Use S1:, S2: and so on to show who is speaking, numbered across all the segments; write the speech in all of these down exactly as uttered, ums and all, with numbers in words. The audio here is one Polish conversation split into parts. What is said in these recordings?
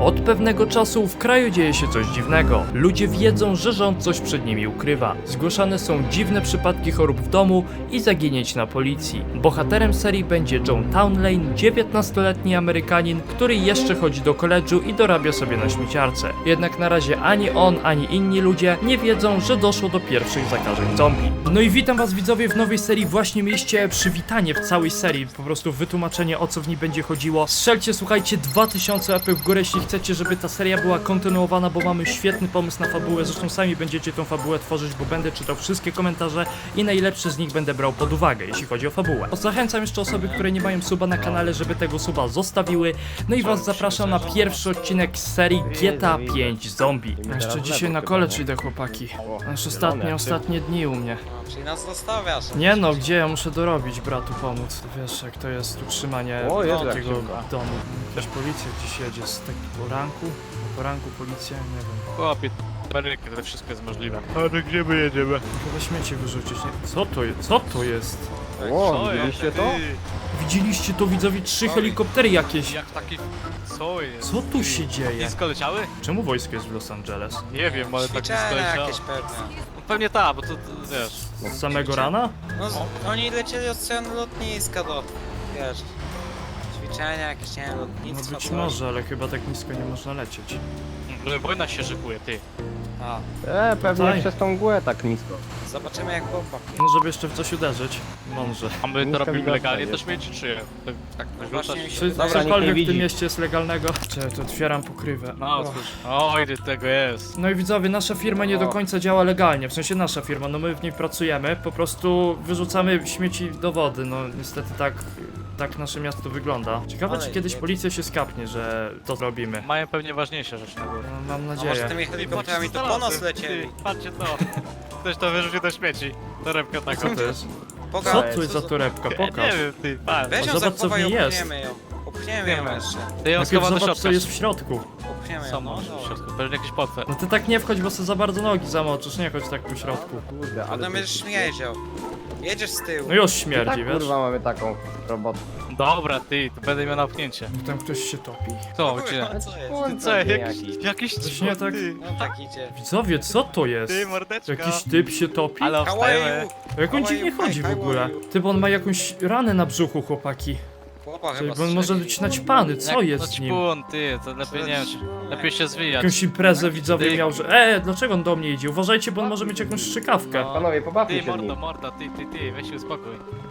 S1: Od pewnego czasu w kraju dzieje się coś dziwnego. Ludzie wiedzą, że rząd coś przed nimi ukrywa. Zgłaszane są dziwne przypadki chorób w domu i zaginięć na policji. Bohaterem serii będzie John Townley, dziewiętnastoletni Amerykanin, który jeszcze chodzi do koledżu i dorabia sobie na śmieciarce. Jednak na razie ani on, ani inni ludzie nie wiedzą, że doszło do pierwszych zakażeń zombie. No i witam was widzowie w nowej serii. Właśnie mieliście przywitanie w całej serii, po prostu wytłumaczenie, o co w niej będzie chodziło. Strzelcie, słuchajcie, dwa tysiące łapek w górę, jeśli chcecie, żeby ta seria była kontynuowana, bo mamy świetny pomysł na fabułę. Zresztą sami będziecie tą fabułę tworzyć, bo będę czytał wszystkie komentarze i najlepsze z nich będę brał pod uwagę, jeśli chodzi o fabułę. Zachęcam jeszcze osoby, które nie mają suba na kanale, żeby tego suba zostawiły. No i was zapraszam na pierwszy odcinek z serii G T A pięć Zombie. Jeszcze dzisiaj na college idę, chłopaki. Aż ostatnie, ostatnie dni u mnie.
S2: Czyli nas zostawiasz.
S1: Nie no, gdzie ja muszę dorobić, bratu pomóc. Wiesz, jak to jest utrzymanie
S3: O, Jezu, jak
S1: takiego
S3: szybko.
S1: domu. Jakaś policja gdzieś jedzie z takiego ranku. Po ranku policja, nie wiem.
S4: Chłopie, Amerykę, to wszystko jest możliwe. Ale gdzie my jedziemy?
S1: Chyba śmieci wyrzucić, nie? Co to jest? Co to jest?
S3: O, widzieliście to?
S1: Widzieliście to, widzowie? Trzy helikoptery jakieś.
S4: Jak taki... Co jest?
S1: Co tu się dzieje?
S4: Nisko leciały?
S1: Czemu wojsko jest w Los Angeles?
S4: Nie wiem, ale tak nisko
S2: Ćwiczenia
S4: leciało.
S2: jakieś pewnie.
S4: No pewnie tak, bo to, to wiesz...
S1: Z samego rana?
S2: No z, oni lecieli od strony lotniska do... Wiesz... Ćwiczenia jakieś, nie wiem,
S1: No
S2: lotnictwo,
S1: być
S2: coś.
S1: może, ale chyba tak nisko nie można lecieć.
S4: Że wojna się szykuje, ty.
S2: A,
S3: E, pewnie
S1: Tutaj.
S3: przez tą mgłę tak nisko.
S2: zobaczymy jak bomba.
S1: No żeby jeszcze w coś uderzyć. Mądrze.
S4: A my to
S3: Nisko
S4: robimy
S3: widoczne
S4: legalnie,
S3: jest.
S4: to śmieci czy tak, tak
S2: Właśnie
S4: wyrzucasz?
S2: mi się
S1: Czy
S2: wydaje,
S3: Dobra,
S1: cokolwiek
S3: nikt nie
S1: w tym
S3: widzi.
S1: mieście jest legalnego? Czy to otwieram pokrywę.
S4: No,
S1: Och.
S4: cóż. Oj, ty tego jest.
S1: No i widzowie, nasza firma nie do
S3: O.
S1: końca działa legalnie, w sensie nasza firma, no my w niej pracujemy, po prostu wyrzucamy śmieci do wody, no niestety tak, tak nasze miasto wygląda. Ciekawe,
S2: Ale
S1: czy kiedyś
S2: nie-
S1: policja się skapnie, że to zrobimy.
S4: Mają pewnie ważniejsze rzeczy na górze.
S1: No, mam
S2: a może
S1: nadzieję.
S2: tymi helikopterami to po nas lecieli.
S4: Ty, patrzcie to. Ktoś to wyrzucił do śmieci. Torebkę taką.
S1: Co to jest?
S2: Poga-
S1: Co tu jest za torebka?
S4: Ja
S1: Pokaż.
S4: nie wiem, ty, patrz.
S2: Weź ją
S1: Zobacz, co w
S2: zachowaj,
S1: niej jest.
S2: opchniemy ją. Opchniemy ją
S4: Wiemy.
S2: jeszcze.
S4: Ty ją
S1: Najpierw
S4: schowam do
S1: zobacz,
S4: środka.
S1: co jest w środku.
S2: Opchniemy
S4: Co
S2: ją, no
S4: masz w
S2: dobra.
S4: środku? Pewnie jakiś potwór.
S1: No ty tak nie wchodź, bo sobie za bardzo nogi zamoczysz, nie chodź tak po środku.
S3: Kurde, ale...
S2: Potem będziesz śmierdział. Jedziesz z tyłu.
S1: No już
S3: Tak,
S1: śmierdzi, wiesz?
S3: kurwa, mamy taką robotę.
S4: Dobra, ty, to będę miał napchnięcie.
S1: Tam ktoś się topi.
S4: Co,
S2: Kurwa,
S4: gdzie?
S2: co jest?
S4: Ty co, jakiś, jakiś
S1: Właśnie tak-
S4: ty,
S2: No tak idzie.
S1: Widzowie, co to jest?
S4: ty mordeczka.
S1: Jakiś typ się topi?
S4: Ale
S2: How are
S4: wstajemy.
S2: you?
S1: Jak on
S2: How are
S1: dziwnie
S2: you?
S1: chodzi w
S2: Hi, how
S1: ogóle?
S2: are you?
S1: Ty, bo on ma jakąś ranę na brzuchu, chłopaki.
S2: Chłopa
S1: Czyli
S2: chyba
S1: bo on może
S2: strzeli.
S1: być naćpany, co
S4: Jak
S1: jest z nim?
S4: naćpun, ty, to lepiej nie wiem, czy- lepiej się zwijać.
S1: Jakąś imprezę widzowie
S4: Ty-
S1: miał, że e, dlaczego on do mnie idzie? Uważajcie, bo on może mieć jakąś strzykawkę.
S4: No.
S3: Panowie, pobawmy
S4: Ty,
S3: się z nim.
S4: mordo, mordo, ty, ty, ty, weź się uspokój.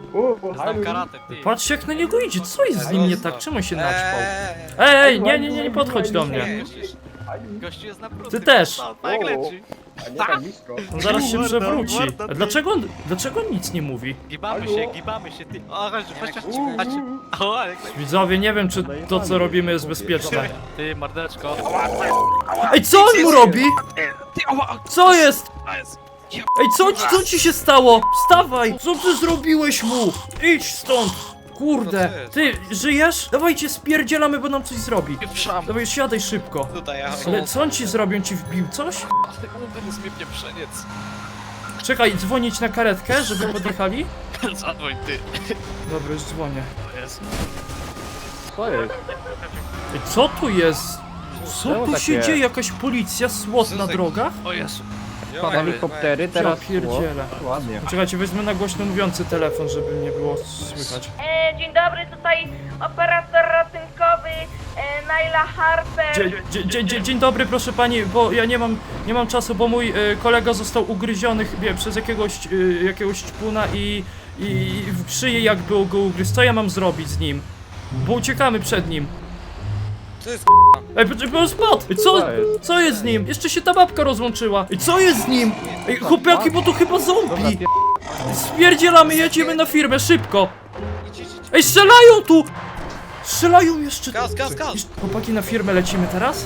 S3: U,
S4: Znam karate, ty.
S1: Patrzcie jak na niego idzie, co jest z nim nie tak? Czemu on się naćpał?
S2: Eee,
S1: Ej, nie, nie, nie, nie podchodź do mnie.
S4: Gościu- Gościu jest na brudny.
S1: Ty też.
S4: No, tak leci.
S3: A nie tak blisko.
S1: On zaraz się
S4: Mordo,
S1: przewróci.
S4: mordo,
S1: A
S4: ty.
S1: dlaczego on, dlaczego on nic nie mówi?
S4: Gibamy się, gibamy się, ty. O, chodź, chodź, chodź, chodź. O, ale jak
S1: Widzowie, nie wiem czy to co robimy jest bezpieczne.
S4: ty, mordeczko.
S1: Ej, co on mu robi?
S4: Ty, ała,
S1: Co jest?
S4: a jest.
S1: Ej, co, ci- co ci się stało? Wstawaj! Co ty zrobiłeś mu? Idź stąd! Kurde, ty, żyjesz? Dawajcie, spierdzielamy, bo nam coś zrobi.
S4: Pieprzam.
S1: Dawaj, siadaj szybko.
S2: Tutaj, ja.
S1: Ale co on ci zrobił? On ci wbił coś?
S4: Ale jest mnie pieprzeniec.
S1: Czekaj, dzwonić na karetkę, żeby podjechali?
S4: Zadzwoń, ty.
S1: Dobra, już dzwonię.
S4: O jest.
S3: Co jest?
S1: Ej, co tu jest? Co
S3: Czemu
S1: tu
S3: tak
S1: się
S3: jest?
S1: dzieje? Jakaś policja, słod na drogach?
S4: O Jezu.
S3: Helikoptery, teraz...
S1: Ja pierdzielę.
S3: O, ładnie.
S1: Czekajcie, wezmę na głośno mówiący telefon, żeby nie było słychać.
S5: E, dzień dobry, tutaj operator ratunkowy e, Naila Harper.
S1: Dzień, dzień, dzień, dzień, dzień dobry, proszę pani, bo ja nie mam, nie mam czasu, bo mój e, kolega został ugryziony wie, przez jakiegoś, e, jakiegoś ćpuna i, i w szyję jakby go ugryzł. Co ja mam zrobić z nim? Bo uciekamy przed nim.
S2: To jest
S1: Ej, poczekaj, on spadł! Ej, co,
S3: Co jest?
S1: co jest z nim? Jeszcze się ta babka rozłączyła. Ej, co jest z nim? Ej, chłopaki, bo to chyba
S3: Dobra,
S1: zombie.
S3: pier...
S1: Spierdzielamy, jedziemy na firmę, szybko.
S2: Idź, idź, idź.
S1: Ej, strzelają tu! Strzelają jeszcze.
S2: Gaz, gaz, gaz.
S1: Jeszcze- Chłopaki, na firmę lecimy teraz?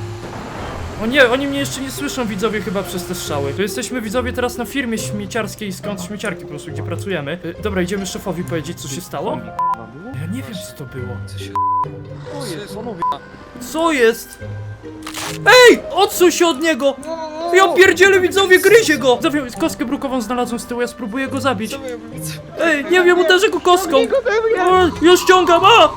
S1: O nie, oni mnie jeszcze nie słyszą, widzowie, chyba przez te strzały. To jesteśmy, widzowie, teraz na firmie śmieciarskiej, skąd śmieciarki po prostu, gdzie pracujemy. Y, dobra, idziemy szefowi powiedzieć, co się stało? Ja nie wiem, co to było.
S2: Co się...
S3: Co jest? Panowie,
S1: Co jest? Ej! Odsuń się od niego! Ja pierdzielę, widzowie, gryzie go! Widzowie, kostkę brukową znalazłem z tyłu, ja spróbuję go zabić.
S2: Co my robimy?
S1: Ej, nie wiem, uderzę go kostką! O, już ściągam, a!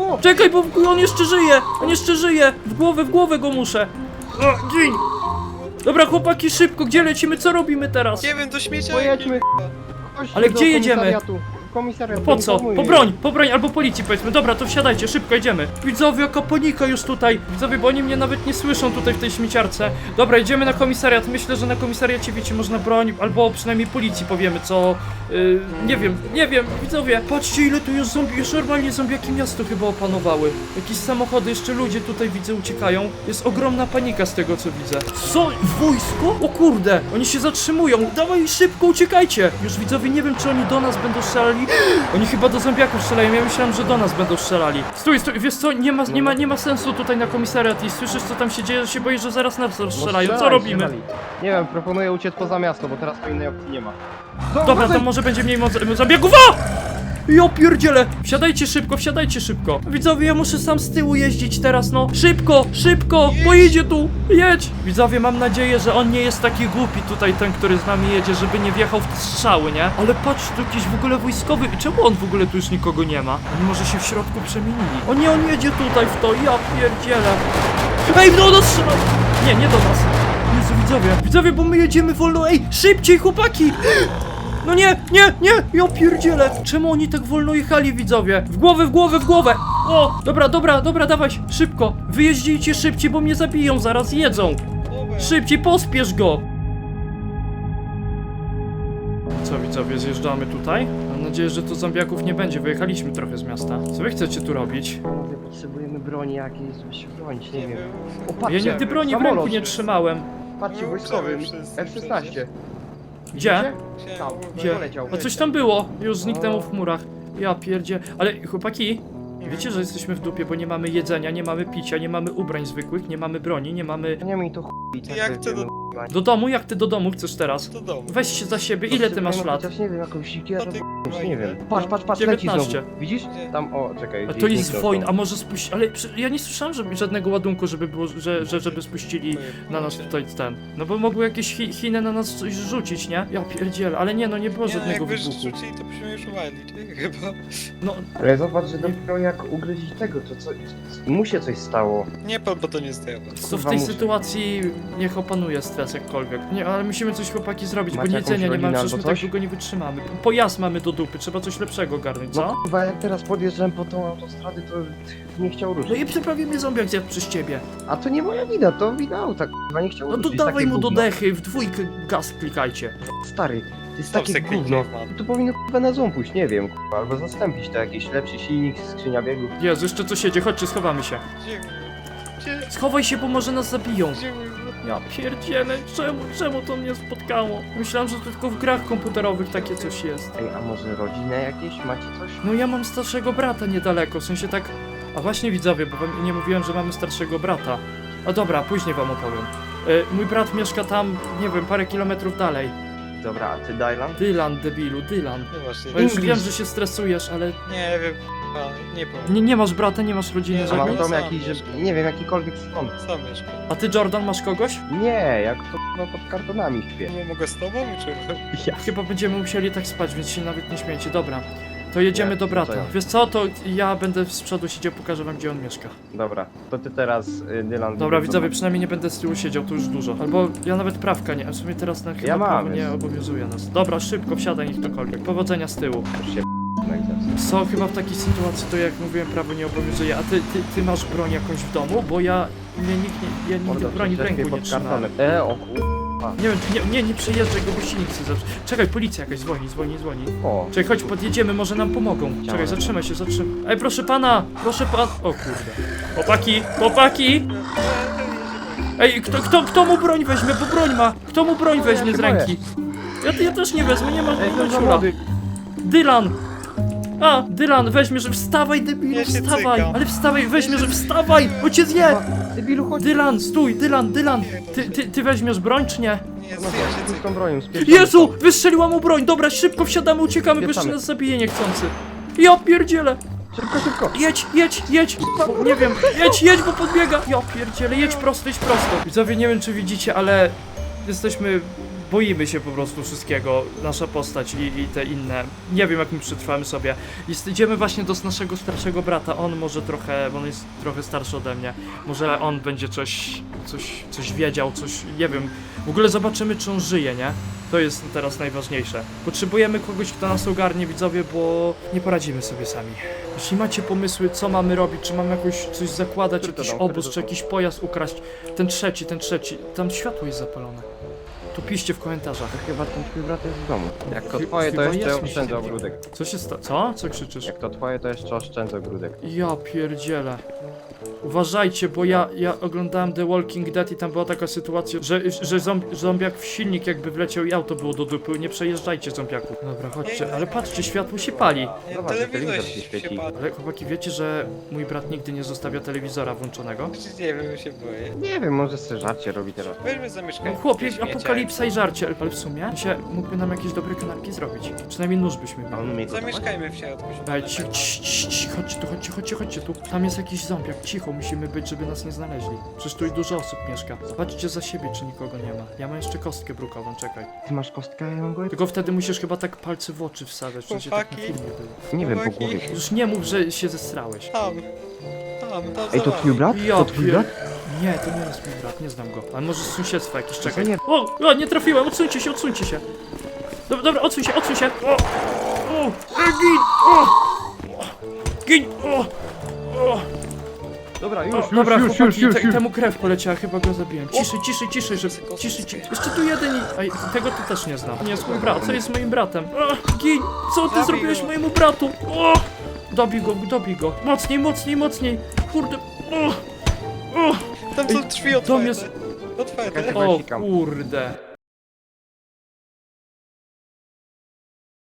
S3: Co?
S1: Czekaj, bo w- on jeszcze żyje! On jeszcze żyje! W głowę, w głowę go muszę! O, dzień! Dobra, chłopaki, szybko, gdzie lecimy? Co robimy teraz?
S2: Nie wiem, do śmiecia.
S3: Pojedźmy. Chodź
S1: Ale
S3: do
S1: gdzie jedziemy?
S3: komisariatu. Komisariat
S1: Po co?
S3: informuje.
S1: Po broń, po broń albo policji powiedzmy. Dobra, to wsiadajcie, szybko idziemy. Widzowie, jaka panika już tutaj. Widzowie, bo oni mnie nawet nie słyszą tutaj w tej śmieciarce. Dobra, idziemy na komisariat. Myślę, że na komisariacie, wiecie, można broń, albo przynajmniej policji powiemy, co... Yy, nie wiem, nie wiem, widzowie. Patrzcie, ile tu już zombie, już normalnie zombiaki miasto chyba opanowały. Jakieś samochody, jeszcze ludzie tutaj widzę uciekają. Jest ogromna panika z tego, co widzę. Co? Wojsko? O kurde, oni się zatrzymują. Dawaj, szybko, uciekajcie. Już widzowie, nie wiem, czy oni do nas będą strzelali. Oni chyba do zombiaków strzelają, ja myślałem, że do nas będą strzelali. Stój, stój, wiesz co, nie ma, nie ma, nie ma sensu tutaj na komisariat i słyszysz, co tam się dzieje, że się boisz, że zaraz nas
S3: No
S1: strzelają. Co
S3: strzelaj,
S1: robimy?
S3: strzelali. Nie wiem, proponuję uciec poza miasto, bo teraz to innej opcji nie ma.
S1: Dobra, to może będzie mniej moc- zabiegów. A! Ja pierdzielę! Wsiadajcie szybko, wsiadajcie szybko. Widzowie, ja muszę sam z tyłu jeździć teraz, no. Szybko, szybko, bo idzie tu. Jedź! Widzowie, mam nadzieję, że on nie jest taki głupi tutaj, ten, który z nami jedzie, żeby nie wjechał w te strzały, nie? Ale patrz, tu jakiś w ogóle wojskowy. Czemu on w ogóle tu już nikogo nie ma? Oni może się w środku przemienili. O nie, on jedzie tutaj w to, ja pierdzielę. Ej, no, no, strzelaj! Nie, nie do nas. Jezu, widzowie, widzowie, bo my jedziemy wolno. Ej, szybciej, chłopaki! No nie, nie, nie, ja pierdzielę. Czemu oni tak wolno jechali, widzowie? W głowę, w głowę, w głowę. O, dobra, dobra, dobra, dawaj, szybko. Wyjeździcie szybciej, bo mnie zabiją, zaraz jedzą. Szybciej, pospiesz go. Co, widzowie, zjeżdżamy tutaj? Mam nadzieję, że tu zombiaków nie będzie, wyjechaliśmy trochę z miasta. Co wy chcecie tu robić?
S3: Panowie, potrzebujemy broni jakiejś, żeby się bronić, nie wiem. O,
S1: Ja
S3: patrzcie,
S1: nigdy broni w
S3: samolot.
S1: ręku nie trzymałem.
S3: Patrzcie,
S2: No,
S3: wojskowy,
S2: wszyscy,
S3: F szesnaście.
S1: Gdzie?
S3: Tam,
S1: Gdzie?
S3: poleciał.
S1: A coś tam było, już zniknęło w chmurach. Ja pierdzie. Ale chłopaki, wiecie, że jesteśmy w dupie, bo nie mamy jedzenia, nie mamy picia, nie mamy ubrań zwykłych, nie mamy broni, nie mamy...
S3: Nie mi to chuj, tak
S2: Jak
S3: wiemy,
S2: ty do-
S3: kurwa.
S1: Do domu? Jak ty do domu chcesz teraz?
S2: Do domu.
S1: Weź się za siebie, ile ty masz
S3: Potrzebujemy
S1: lat?
S3: Chociaż nie wiem, jakąś sikierę,
S2: No ty,
S3: b***ć, nie
S2: ile?
S3: wiem. Patrz, patrz, patrz, leci
S1: dziewiętnaście.
S3: znowu. Widzisz?
S2: Gdzie?
S3: Tam, o, czekaj.
S1: A
S3: gdzieś
S1: to jest
S3: zniknął
S1: wojna,
S3: to.
S1: a może spuść... Ale przy- ja nie słyszałem, żeby żadnego ładunku, żeby było, że, że żeby spuścili na nas tutaj ten. No bo mogły jakieś chi Chiny na nas coś rzucić, nie? Ja pierdzielę, ale nie, no nie było
S2: Nie,
S1: żadnego
S2: jakby
S1: wybuchu.
S2: rzucili, to byśmy już uwalić, chyba.
S1: No,
S3: Ale zobacz, że dopiero jak ugryźć tego, to co... Mu się coś stało.
S2: Nie, pan, bo to nie zdejmę.
S1: to w
S3: Kurwa,
S1: tej
S3: muszę.
S1: sytuacji niech opanuje stres jakkolwiek. Nie, ale musimy coś chłopaki zrobić,
S3: Macie
S1: bo
S3: jakąś
S1: jedzenia nie mamy,
S3: rodzinę
S1: przecież my
S3: albo
S1: tak
S3: coś?
S1: długo nie wytrzymamy. Pojazd mamy do dupy, trzeba coś lepszego ogarnąć, co?
S3: No chyba jak teraz podjeżdżałem po tą autostradę, to nie chciał ruszyć.
S1: No i prawie mnie zombiak zjadł przez ciebie.
S3: A to nie moja wina, to wina auta, k***a, nie chciał
S1: No to
S3: ruszyć.
S1: dawaj
S3: takie
S1: mu do
S3: gówno.
S1: dechy, w dwójkę gaz klikajcie.
S3: Stary, to jest
S2: Stop
S3: takie
S2: se kliknij,
S3: gówno.
S2: man.
S3: To powinno k***a na zoom pójść, nie wiem, k***a, albo zastąpić to jakiś lepszy silnik, skrzynia biegów.
S1: Jezu, jeszcze coś jedzie, chodźcie, schowamy się.
S2: Gdzie? Gdzie?
S1: Schowaj się, bo może nas zabiją.
S2: Gdzie?
S1: Ja pierdzielę, czemu, czemu to mnie spotkało? Myślałem, że to tylko w grach komputerowych takie coś jest.
S3: Ej, a może rodzinę jakieś? Macie coś?
S1: No ja mam starszego brata niedaleko, w sensie tak... A właśnie widzowie, bo wam nie mówiłem, że mamy starszego brata. A dobra, później wam opowiem. E, mój brat mieszka tam, nie wiem, parę kilometrów dalej.
S3: Dobra, a ty Dylan?
S1: Dylan, debilu, Dylan.
S2: No właśnie.
S1: No już
S3: English.
S1: wiem, że się stresujesz, ale
S2: Nie wiem, a, nie powiem.
S1: nie, nie masz brata, nie masz rodziny,
S2: Nie,
S3: A
S1: żadnej?
S3: mam
S2: Sam
S3: dom jakiś, że...
S2: mieszkam.
S3: nie wiem, jakikolwiek stąd.
S2: Sam mieszkam.
S1: A ty, Jordan, masz kogoś?
S3: Nie, jak to no, pod kartonami śpię.
S2: Nie mogę z tobą, czy...
S3: Ja.
S1: Chyba będziemy musieli tak spać, więc się nawet nie śmiejcie. Dobra, to jedziemy
S3: Nie,
S1: do brata.
S3: co ja?
S1: Wiesz co, to ja będę z przodu siedział, pokażę wam, gdzie on mieszka.
S3: Dobra, to ty teraz, y, Dylan...
S1: Dobra,
S3: wyjdź
S1: widzowie,
S3: do-
S1: przynajmniej nie będę z tyłu siedział, to już dużo. Albo ja nawet prawka nie, a w sumie teraz na chyba
S3: Ja mam,
S1: prawo nie
S3: więc-
S1: obowiązuje nas. Dobra, szybko, wsiadaj, niech ktokolwiek. Powodzenia z tyłu.
S3: Już się no i zaraz.
S1: Co, chyba w takiej sytuacji to jak mówiłem, prawo nie obowiązuje. A ty, ty, ty masz broń jakąś w domu? Bo ja, mnie nikt nie, ja nigdy
S3: Mordo,
S1: broni w
S3: przecież
S1: ręku
S3: lepiej
S1: nie
S3: pod
S1: trzymałem.
S3: kartonem. E, o kur...
S1: Nie wiem, czy- nie, nie, nie przejeżdżaj go, bo silnik chce zepsuć. Czekaj, policja jakaś dzwoni, dzwoni, dzwoni.
S3: O,
S1: Czekaj, chodź, podjedziemy, może nam pomogą. Czekaj, zatrzymaj się, zatrzymaj. Ej, proszę pana, proszę pan... O kurde. Chłopaki, chłopaki! Ej, kto, kto, kto mu broń weźmie, bo broń ma. Kto mu broń weźmie
S3: się
S1: z ręki? Ja, ja też nie wezmę, nie ma,
S3: ej,
S1: nie
S3: to
S1: ma
S3: za
S1: ciula.
S3: młody.
S1: Dylan! A, Dylan, weźmie, że wstawaj, debilu,
S2: Ja się
S1: wstawaj!
S2: cykam.
S1: Ale wstawaj, weźmie, że wstawaj, bo cię zje!
S3: Debilu, chodź.
S1: Dylan, stój, Dylan, Dylan! Ty, ty, ty weźmiesz broń, czy nie?
S2: Nie,
S3: No,
S2: ja się
S3: z
S2: cykam.
S3: tą bronią, spieszamy
S1: Jezu!
S3: stąd.
S1: Wystrzeliła mu broń! Dobra, szybko wsiadamy, uciekamy, bo jeszcze
S3: Spieszamy.
S1: nas zabije niechcący. Ja pierdzielę!
S3: Szybko, szybko.
S1: Jedź, jedź, jedź! Bo, nie wiem, jedź, jedź, bo podbiega! Ja pierdzielę, jedź prosto, jedź prosto! Widzowie, nie wiem, czy widzicie, ale jesteśmy boimy się po prostu wszystkiego, nasza postać i, i te inne. Nie wiem, jak my przetrwamy sobie. Jest, idziemy właśnie do naszego starszego brata, on może trochę, bo on jest trochę starszy ode mnie, może on będzie coś, coś, coś wiedział, coś, nie wiem. W ogóle zobaczymy, czy on żyje, nie? To jest teraz najważniejsze. Potrzebujemy kogoś, kto nas ogarnie, widzowie, bo nie poradzimy sobie sami. Jeśli macie pomysły, co mamy robić, czy mamy jakoś coś zakładać,
S3: Który to
S1: jakiś
S3: dom? Który
S1: obóz,
S3: to
S1: czy
S3: dom?
S1: jakiś pojazd ukraść, ten trzeci, ten trzeci, tam światło jest zapalone. To piszcie w komentarzach.
S3: Chyba ten twój brat jest w domu. Jak to
S1: Chy-
S3: twoje, to
S1: chyba
S3: jeszcze
S1: jest,
S3: oszczędzę
S1: myślę.
S3: ogródek.
S1: Co się stało? Co? Co krzyczysz?
S3: Jak to twoje, to jeszcze oszczędzę ogródek.
S1: Ja pierdzielę. Uważajcie, bo ja, ja oglądałem The Walking Dead i tam była taka sytuacja, że, że zomb, zombiak w silnik jakby wleciał i auto było do dupy. Nie przejeżdżajcie, zombiaku. Dobra, chodźcie, ale patrzcie, światło się pali.
S2: Nie,
S3: Zobacz,
S2: telewizor
S3: telewizor
S2: się
S3: się świeci.
S2: padł.
S1: Ale chłopaki, wiecie, że mój brat nigdy nie zostawia telewizora włączonego?
S2: Nie wiem, się boję.
S3: Nie wiem, może sobie żarcie robi teraz.
S2: Weźmy
S1: No
S2: zamieszkać.
S1: chłopie, apokalipsa i żarcie, ale w sumie się mógłby nam jakieś dobre kanapki zrobić. Przynajmniej nóż byśmy
S3: A
S1: mieli.
S3: on umie gotować?
S2: Zamieszkajmy w środku.
S1: Daj, ci, ci, ci, ci, chodźcie tu, chodźcie, chodźcie, chodźcie tu. Tam jest jakiś zombiak, cicho musimy być, żeby nas nie znaleźli. Przecież tu i dużo osób mieszka. Zobaczcie za siebie, czy nikogo nie ma. Ja mam jeszcze kostkę brukową, czekaj.
S3: Ty masz kostkę, a ja mam głowę?
S1: Tylko wtedy musisz chyba tak palce w oczy wsadzać, przecież tak na
S2: Chłopaki.
S1: filmie było.
S3: Nie wiem, po
S2: Chłopaki.
S3: głowie.
S1: Już nie mów, że się zestrałeś.
S2: Tam. Tam, tam
S3: Ej, to
S2: za
S3: twój
S2: wami.
S3: brat?
S1: Ja
S3: To twój
S1: pier-
S3: brat?
S1: Nie, to nie jest mój brat, nie znam go. Ale może z sąsiedztwa jakiś, czekaj.
S3: nie.
S1: O, o, nie trafiłem, odsuńcie się, odsuńcie się. Dobra, dobra, odsuń się, odsuń się. O, o, e, gin, o, gin, o, o.
S3: Dobra, już,
S1: O,
S3: już,
S1: dobra,
S3: już,
S1: chłopaki,
S3: już, już,
S1: te,
S3: już.
S1: temu krew poleciała, chyba go zabiłem. Ciszej, ciszej, ciszej, żeby... Ciszej, ciszej. Jeszcze tu jeden i... Ej, tego to też nie znam. Nie jest mój brat, co jest moim bratem? O, gin, co ty
S2: Zabij
S1: zrobiłeś
S2: go.
S1: mojemu bratu? O, dobij go, dobij go. Mocniej, mocniej, mocniej. Kurde, o, o.
S2: Tam są drzwi
S1: Dom
S2: otwarte.
S1: jest...
S2: Otwarte.
S3: Czekaj,
S1: O
S3: Sikam.
S1: kurde.